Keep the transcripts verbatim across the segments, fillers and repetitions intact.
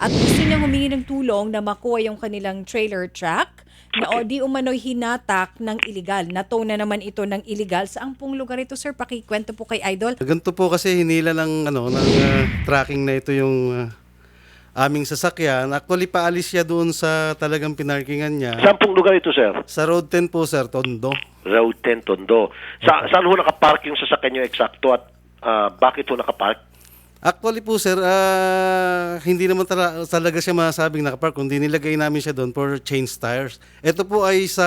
at gusto niyang humingi ng tulong na makuha yung kanilang trailer truck na o di umano'y hinatak ng illegal. Natow na naman ito ng illegal. Saang pong lugar ito, sir? Pakikwento po kay Idol. Ganito po kasi hinila ng ano ng ah, tracking na ito yung ah, aming sasakyan. Actually paalis siya doon sa talagang pinarkingan niya. Saan pong lugar ito, sir? Sa Road ten po, sir, Tondo. Road ten, Tondo. Sa, saan ho nakapark yung sasakyan nyo eksakto at ah, bakit ho nakapark? Actually po, sir, ah, hindi naman tala- talaga siya masabing nakapark, kundi nilagay namin siya doon for change tires. Ito po ay sa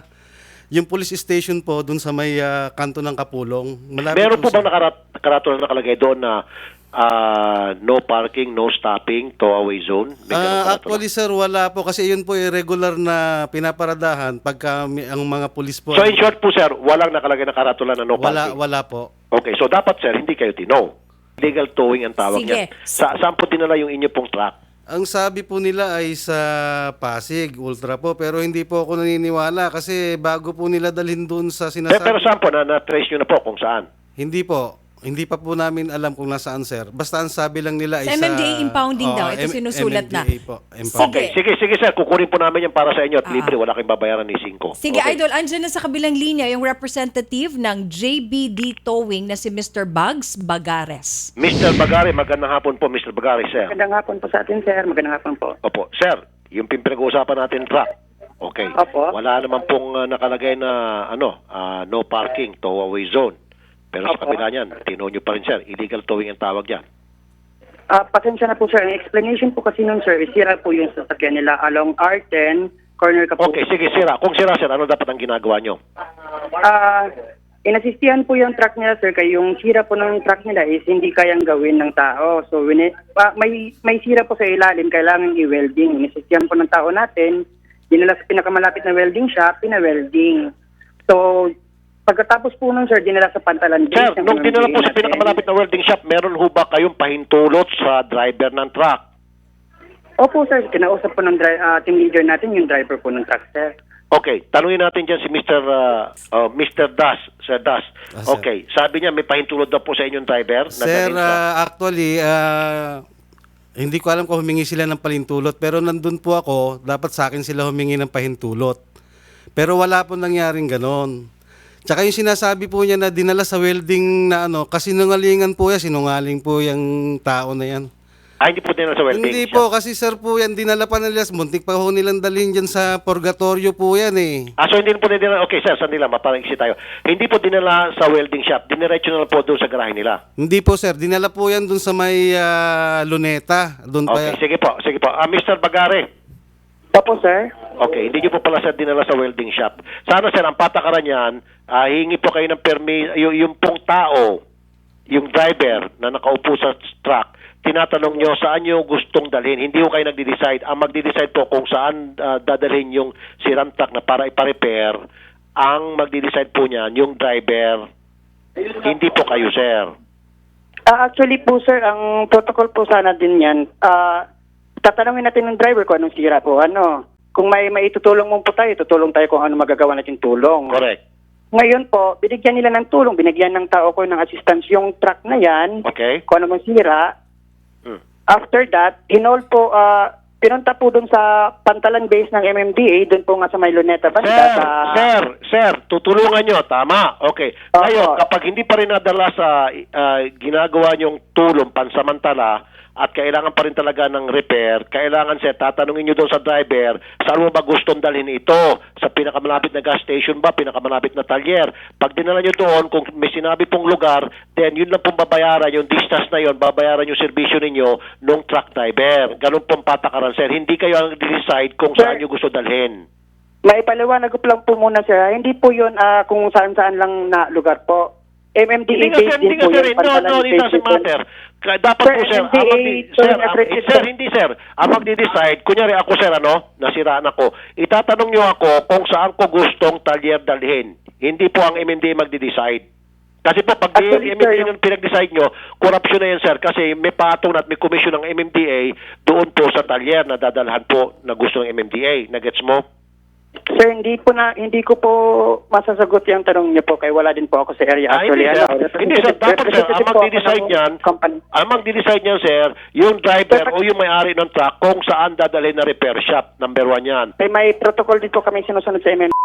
yung police station po doon sa may ah, kanto ng Kapulong. Malapit Meron po sa- bang nakarat karato na nakalagay doon na ah, no parking, no stopping, towaway zone? May ganun Ah, karato actually sir, wala po kasi yun po ay regular na pinaparadahan pagka may- ang mga pulis po. na? So in short po, sir, walang nakalagay na karatula na no wala parking? wala po. Okay, so dapat, sir, hindi kayo tinaw. Legal towing ang tawag Sige. niyan. Sa, saan po dinala yung inyo pong truck? Ang sabi po nila ay sa Pasig, Ultra po, pero hindi po ako naniniwala kasi bago po nila dalhin doon sa Eh, sinasabi. pero saan po? Na, na-trace nyo na po kung saan? Hindi po. Hindi pa po namin alam kung nasaan, sir. Basta ang sabi lang nila ay Sa sa... M M D A impounding daw. Ito M- sinusulat na. M M D A po. Impound. Sige. Okay, sige, sige, sir. Kukunin po namin yan para sa inyo at Ah. libre. Wala kayong babayaran ni Cinco. Sige, Okay. Idol, andyan na sa kabilang linya yung representative ng J B D Towing na si Mister Bugs Bagares. mister Bagari, magandang hapon po, mister Bagari, sir. Magandang hapon po sa atin, sir. Magandang hapon po. Opo, sir, yung pinag-uusapan natin truck. Okay. Opo. Wala naman pong uh, nakalagay na ano, ah, no parking, towaway zone. Pero sa Opo. kabila niyan, tino nyo pa rin, sir. Illegal towing ang tawag yan. Ah, pasensya na po, sir. Ang explanation po kasi nun, sir, is sira po yung sasakyan nila along R ten, corner Kapulong. Okay, sige, sira. Kung sira, sir, ano dapat ang ginagawa nyo? Ah, inasistihan po yung truck nila, sir, kaya yung sira po ng truck nila is hindi kayang gawin ng tao. So, wini, ah, may, may sira po sa ilalim, kailangan i-welding. Inasistihan po ng tao natin, dinala sa pinakamalapit na welding shop, pina-welding. So, pagkatapos po nun, sir, dinala sa Pantalan Base. Sir, ng nung dinala po sa natin. pinakamalapit na welding shop, meron ho ba kayong pahintulot sa driver ng truck? Opo, sir. Kinausap po ng dri- ah, team leader natin, yung driver po ng truck, sir. Okay, tanungin natin dyan si mister Uh, uh, mister Das, Sir Das. Ah, sir. Okay, sabi niya may pahintulot daw po sa inyong driver. na Sir, dalhin sa- ah, actually, ah, hindi ko alam kung humingi sila ng palintulot, pero nandun po ako, dapat sa akin sila humingi ng pahintulot. Pero wala po nangyaring ganon. Tsaka yung sinasabi po niya na dinala sa welding na ano, kasi sinungalingan po yan, sinungaling po yung tao na yan. Ah, hindi po din sa welding Hindi shop. po, kasi sir po yan, dinala pa nila, muntik pa ho nilang dalhin dyan sa purgatorio po yan eh. Ah, so hindi po dinala, okay sir, sandali lang, maparangisi tayo. Hindi po dinala sa welding shop, diniretso na lang po doon sa garahe nila. Hindi po sir, dinala po yan dun sa may ah, luneta. Doon pa Okay, yan. sige po, sige po. Ah, mister Bagare, Opo, sir. okay, hindi niyo po pala sir dinala sa welding shop. Sana sir, ang patakaran niyan, ah, hingi po kayo ng permis, yung, yung pong tao, yung driver na nakaupo sa truck, tinatanong nyo saan nyo gustong dalhin. Hindi ko kayo nagde-decide. Ang magde-decide po kung saan ah, dadalhin yung sirang truck na para ipa-repair, ang magde-decide po niyan, yung driver, hindi po kayo, sir. Ah, actually po, sir, ang protocol po sana din yan, ah, tatanungin natin ng driver kung anong sira po. Ano, kung may maitutulong mo po tayo, tutulong tayo kung ano magagawa natin tulong. Correct. Ngayon po, binigyan nila ng tulong, binigyan ng tao ko ng assistance yung truck na yan, Okay? kung ano mang sira. Hmm. After that, hinol po, ah, pinunta po dun sa Pantalan Base ng M M D A, dun po nga sa may Luneta Banda. Sir, sa... sir, sir, tutulungan nyo. Tama. Okay. Opo. Ngayon, kapag hindi pa rin nadala sa ah, ginagawa nyong tulong pansamantala at kailangan pa rin talaga ng repair, kailangan, sir, tatanungin nyo doon sa driver, saan mo ba gustong dalhin ito? Sa pinakamalapit na gas station ba? Pinakamalapit na talyer? Pag dinala nyo doon, kung may sinabi pong lugar, then yun lang pong babayaran, yung distance na yun, babayaran yung serbisyo ninyo nung truck driver. Ganun pong patakaran, sir. Hindi kayo ang decide kung Sir. saan nyo gusto dalhin. Maipaliwanag ko lang po muna, sir. Hindi po yun ah, kung saan-saan lang na lugar po. M M D A Hindi nga, base sir, din hindi po nga, sir. yung No, no, Pantalan it doesn't Base. matter. Ka- Dapat Sir, po, sir, M M D A, ang magdi- so sir, yung ang- accredited, sir, sir. hindi, sir. Ang magdi-decide, kunyari ako, sir, ano, nasiraan ako, itatanong nyo ako kung saan ko gustong talyer dalhin. Hindi po ang M M D A magdi-decide. Kasi po, pag Actually, M M D A sir, yung pinag-decide nyo, corruption na yan, sir, kasi may patong at may komisyon ng M M D A doon po sa talyer na dadalhan po na gusto ng M M D A. Nagets mo? Sir, hindi po na hindi ko po masasagot yung tanong niyo po kaya wala din po ako sa area Ah, actually. hindi, sir. ano, Hindi, sir. Dapat, sir, ang representative po ako magdi-decide ng niyan, company. ang magdi-decide niyan, sir, yung driver Sir, o yung may-ari ng truck kung saan dadalhin na repair shop. Number one yan. May, may protocol din po kami sinusunod sa M M.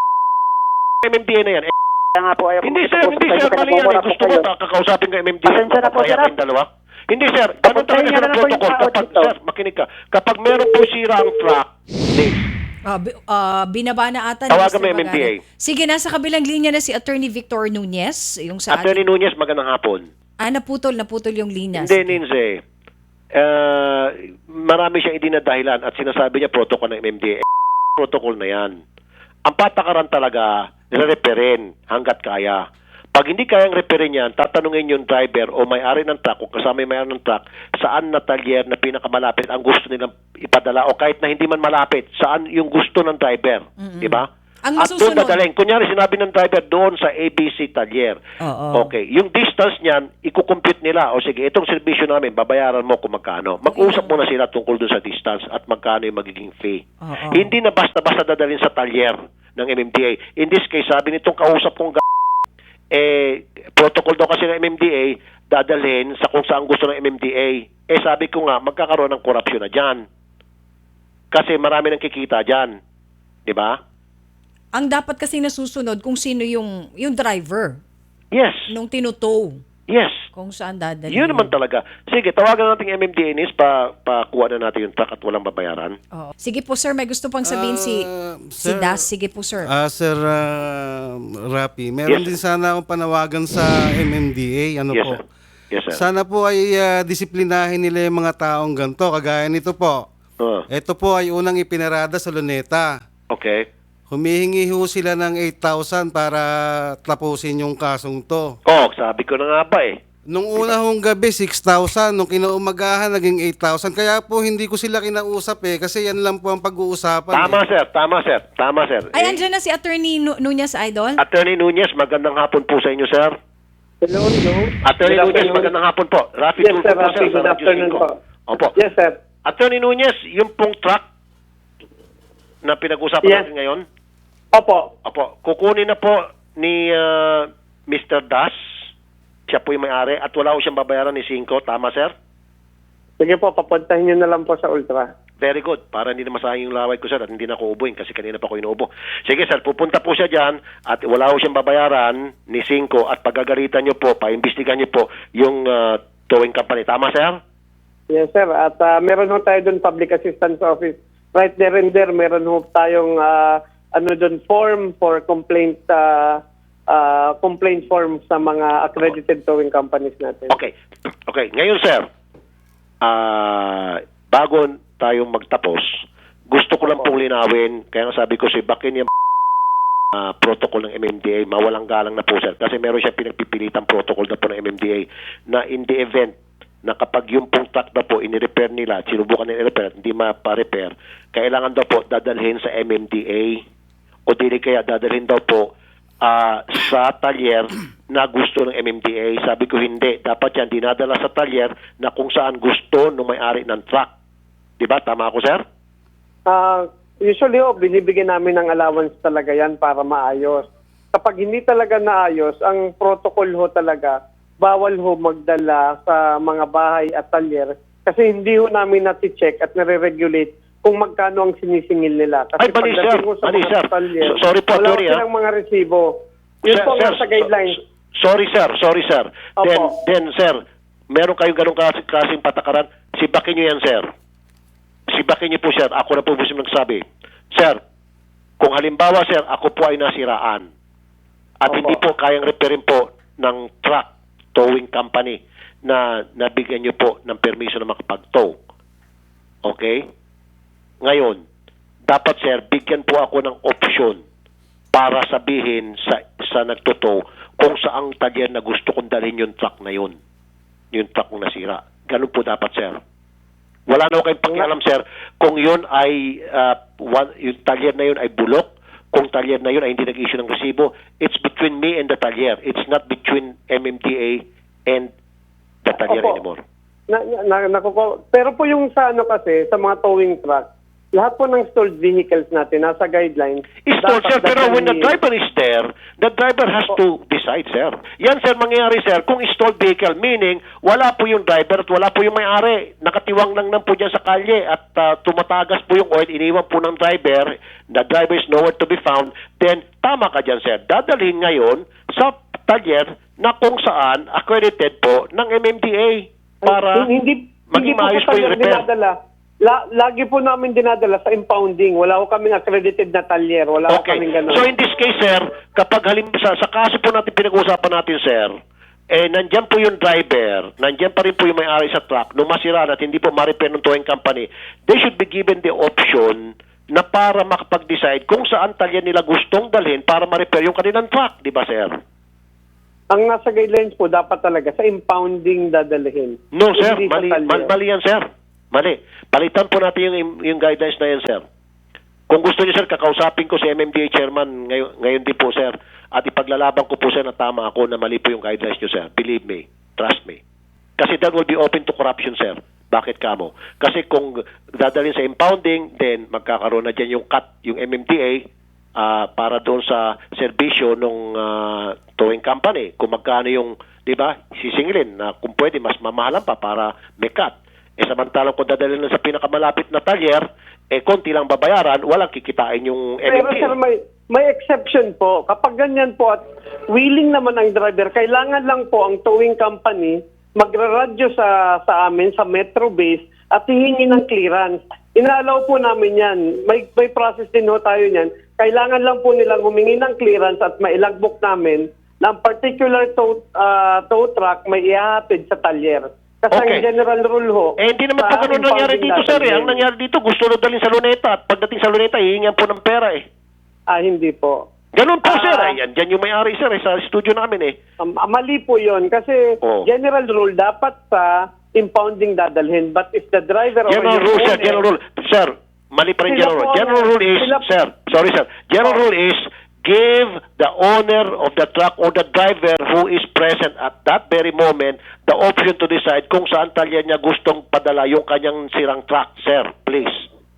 M M D A na yan. Eh, Kaya nga po ayaw hindi, ko sir. po Hindi, sa sir. inyo, Mali yan. Eh. nagmumura po Gusto ko kayo. ta, kakausapin ko M M D A. Pasensya na po, Papaya sir. kayong dalawa. Hindi, sir. Ganun talaga, Papuntahin sir, niyo ang na po yung protocol. tao Kapag, dito. sir, makinig ka. Kapag meron po sira ang truck, please. Ah, bi- ah, binaba na ata ni Tawagan Mister mo yung M M D A. Bagari. Sige, nasa kabilang linya na si Attorney Victor Nunez, yung sa Attorney Nunez, magandang hapon. Ah, naputol, naputol yung linya. Hindi, Ninze. Uh, marami siyang idinadahilan at sinasabi niya protocol ng M M D A. Protocol na yan. Ang patakaran talaga, nire-reperin hanggat kaya. Pag hindi kayang reperin yan, tatanungin yung driver o may-ari ng truck o kasama yung may-ari ng truck, saan na talyer na pinakamalapit ang gusto nilang ipadala o kahit na hindi man malapit, saan yung gusto ng driver. Di ba? Ang At doon masusunod- dadalhin. Kunyari, sinabi ng driver doon sa A B C talyer. Oo. Okay. Yung distance niyan, ikukompute nila. O sige, itong servisyo namin, babayaran mo kung magkano. Mag-usap muna sila tungkol doon sa distance at magkano yung magiging fee. Oo. Hindi na basta-basta dadalhin sa talyer ng M M D A. In this case, sabi nitong kausap kong g- eh, protocol daw kasi ng M M D A, dadalhin sa kung saan gusto ng M M D A. Eh, sabi ko nga, magkakaroon ng korupsyon na dyan. Kasi marami nang kikita dyan. Di ba? Ang dapat kasi nasusunod kung sino yung yung driver Yes. nung tinutow Yes. kung saan dadalhin. Yun naman talaga. Sige, tawagan natin yung M M D A nis pa pakuha na natin yung truck at walang babayaran. Oo. Sige po sir, may gusto pang sabihin si Ah, si sir, Das. Sige po sir. Ah, Sir ah, Rapi, meron Yes, din sana akong panawagan sa M M D A. Ano Yes, po? sir. Yes, sir. Sana po ay ah, disiplinahin nila yung mga taong ganito. Kagaya nito po. Oh, Ito po ay unang ipinarada sa Luneta. okay. Humihingi ho sila ng eight thousand para tapusin yung kasong to. Oh, sabi ko na nga ba eh. Nung una hong gabi, six thousand. Nung kinaumagahan, naging eight thousand. Kaya po hindi ko sila kinausap eh. Kasi yan lang po ang pag-uusapan. Tama, eh. sir. Tama, sir. Tama, sir. Ay, Eh, andyan na si Attorney Nu- Nunez Idol. Attorney Nunez, magandang hapon po sa inyo, sir. Hello, hello. Attorney Good Nunez, afternoon. magandang hapon po. Rafi Yes, Tulfo sir. po, Rafi, sir, sa good Radyo afternoon cinco. po. Opo. Yes, sir. Attorney Nunez, yung pong truck na pinag-usapan Yes. natin ngayon, Opo. opo, kukunin na po ni ah, Mister Das. Siya po yung may-ari at wala ko siyang babayaran ni Cinco. Tama, sir? Sige po, papuntahin niyo na lang po sa Ultra. Very good. Para hindi na masayang yung laway ko, sir, at hindi na ako ubuin kasi kanina pa ako inuubo. Sige, sir, pupunta po siya dyan at wala ko siyang babayaran ni Cinco at pagagalitan niyo po, paimbestigan niyo po yung ah, towing company. Tama, sir? Yes, sir. At ah, meron ho tayo doon Public Assistance Office. Right there and there, meron ho tayong ah, ano doon form for complaint ah, ah, complaint form sa mga accredited towing companies natin. Okay. Okay. Ngayon, sir, ah bago tayong magtapos, gusto ko lang pong linawin, kaya nga sabi ko si Bakin yung ah, protocol ng M M D A, mawalang galang na po, sir. Kasi meron siya pinagpipilitang protocol na po ng M M D A na in the event na kapag yung pong truck na po ini-repair nila, at sinubukan nila i-repair at hindi mapa-repair, kailangan daw po dadalhin sa M M D A o dili kaya dadalhin daw po ah, sa talyer na gusto ng M M D A. Sabi ko hindi. Dapat yan dinadala sa talyer na kung saan gusto ng may-ari ng truck. Diba? Tama ako, sir? Ah, usually ho, binibigyan namin ng allowance talaga yan para maayos. Kapag hindi talaga naayos, ang protocol ho talaga, bawal ho magdala sa mga bahay at talyer kasi hindi ho namin nati-check at nare-regulate kung magkano ang sinisingil nila. Kasi Ay, mali, sir. pagdating ho sa Mali, mga sir. talyer, So- sorry po, wala ho attorney, ah. silang mga resibo. Yun Sir, po nga sir, sa guidelines. so- sorry, sir. Sorry, sir. Opo. Then, then, sir, meron kayong ganong kasi, kasing patakaran. Sibakin nyo yan, sir. Sibakin nyo po, sir. Ako na po po siya nagsabi. Sir, kung halimbawa, sir, ako po ay nasiraan at Opo. hindi po kayang repairin po ng truck towing company na nabigyan nyo po ng permiso na makapag-tow. Okay? Ngayon, dapat, sir, bigyan po ako ng option para sabihin sa sa nagtotow kung saang talyer na gusto kong dalhin yung truck na yun. Yung truck kong nasira. Ganun po dapat, sir. Wala na ako kayong pakialam, sir, kung yun ay, ah, one, yung talyer na yun ay bulok, kung talyer na yun ay hindi nag-issue ng resibo, it's between me and the talyer. It's not between M M D A and the talyer Opo. anymore. Na, na, nakuko- pero po yung sa ano kasi, sa mga towing truck, lahat po ng stalled vehicles natin, nasa guidelines. Stalled, dapat sir, pero when the dadalhin- driver is there, the driver has to decide, sir. Yan, sir, mangyayari, sir, kung stalled vehicle, meaning wala po yung driver at wala po yung may-ari. Nakatiwang lang lang po dyan sa kalye at uh, tumatagas po yung oil, iniwan po ng driver, the driver is nowhere to be found, then tama ka dyan, sir. Dadalhin ngayon sa talyer na kung saan accredited po ng M M D A para hindi, hindi maging po maayos po po yung tayo repair. dinadala. La, lagi po namin dinadala sa impounding. Wala ko kaming accredited na talyer. Wala ko Okay. kaming ganun. So in this case, sir, kapag halim sa, sa kaso po natin pinag-uusapan natin, sir, eh nandyan po yung driver, nandyan pa rin po yung may-ari sa truck, nung masira at hindi po ma-repair ng towing company, they should be given the option na para makapag-decide kung saan talya nila gustong dalhin para ma-repair yung kanilang truck, di ba, sir? Ang nasa guidelines po, dapat talaga sa impounding dadalhin. No, sir. Hindi sa Mali, talyer. mal- mali yan, sir. Mali. Palitan po natin yung, yung guidelines na yan, sir. Kung gusto niyo, sir, kakausapin ko si M M D A chairman ngayon, ngayon din po, sir. At ipaglalaban ko po, sir, na tama ako na mali po yung guidelines niyo, sir. Believe me. Trust me. Kasi that will be open to corruption, sir. Bakit kamo? Kasi kung dadalhin sa impounding, then magkakaroon na dyan yung cut, yung M M D A, ah, para doon sa serbisyo ng towing company. Kung magkano yung, di ba, sisingilin na kung pwede, mas mamahalan pa para may cut. Eh samantalang kung dadalhin na sa pinakamalapit na talyer, eh konti lang babayaran, walang kikitain yung M M Pero D A. sir, may, may exception po. Kapag ganyan po at willing naman ang driver, kailangan lang po ang towing company magraradyo sa sa amin sa Metro Base at hihingi ng clearance. Inaalaw po namin yan. May, may process din ho tayo niyan. Kailangan lang po nilang humingi ng clearance at mailagbok namin na ang particular tow, uh, tow truck may ihahatid sa talyer. Kasi Okay. ang general rule ho. Eh, hindi naman po sa ganun nangyari impounding dito, sir. Eh. Ang dadalhin. nangyari dito, gusto na dalhin sa luneta. At pagdating sa luneta, hihingan po ng pera eh. Ah, hindi po. Ganun po, Ah. sir. Ayan, dyan yung may-ari, sir, eh, sa studio namin eh. Um, ah, mali po yun kasi Oh. general rule dapat sa impounding dadalhin. But if the driver General or your rule, sir. owner- General rule. Sir, mali pa rin Sila general po rule. ang- General rule is, sila po- sir, sorry, sir. General Oh. rule is, give the owner of the truck or the driver who is present at that very moment the option to decide kung saan talya niya gustong padala yung kanyang sirang truck, sir. Please.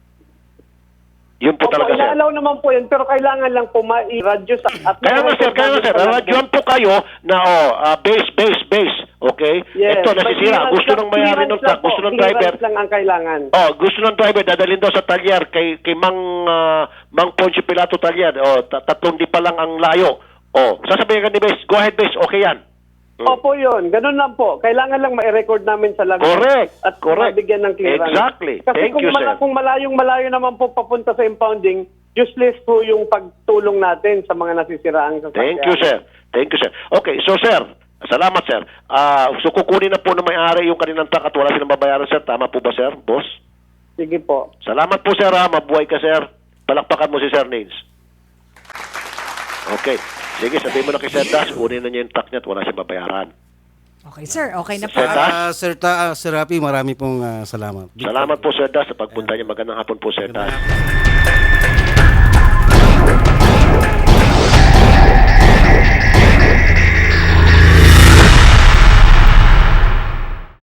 Yun po Opo, talaga, sir. inaalaw naman po yun pero kailangan lang po ma-radyo sa at Kaya nga, sir, kaya nga, sir. Radyoan po kayo na, oh, ah, base, base, base. Okay? Yes, Ito, may nasisira. clearance Gusto lang- ng mayari ng clearance truck, lang po, gusto ng clearance driver. lang ang kailangan. Oh, gusto ng driver dadalhin daw sa talyer kay kay Mang ah, Mang Poncio Pilato talyer. Oh, ta- tatlong di pa lang ang layo. Oh, sasabihin ka ni Bes, go ahead Bes, okay yan. Hmm. Opo yun, ganun lang po. Kailangan lang ma-record namin sa lagay. Correct, At correct. mabigyan ng clearance. Exactly. Kasi Thank kung, you, mala- sir. kung malayong malayo naman po papunta sa impounding, useless po yung pagtulong natin sa mga nasisiraang sasakyan. Thank you, sir. Thank you, sir. Okay, so sir, salamat, sir. Ah, so kukunin na po ng may-ari yung kanilang truck at wala silang babayaran, sir. Tama po ba, sir? Boss? Sige po. Salamat po, sir. Ha? Mabuhay ka, sir. Palakpakan mo si Sir Nils. Okay. Sige, sabihin mo na kay Sir Das, kunin na niya yung truck niya at wala siyang babayaran. Okay, sir. Okay na po. Sir Das? Ah, Sir, Ta, ah, Sir Rapi, marami pong ah, salamat. Salamat po, Sir Das, sa pagpunta niya. Magandang hapon po, Sir Das.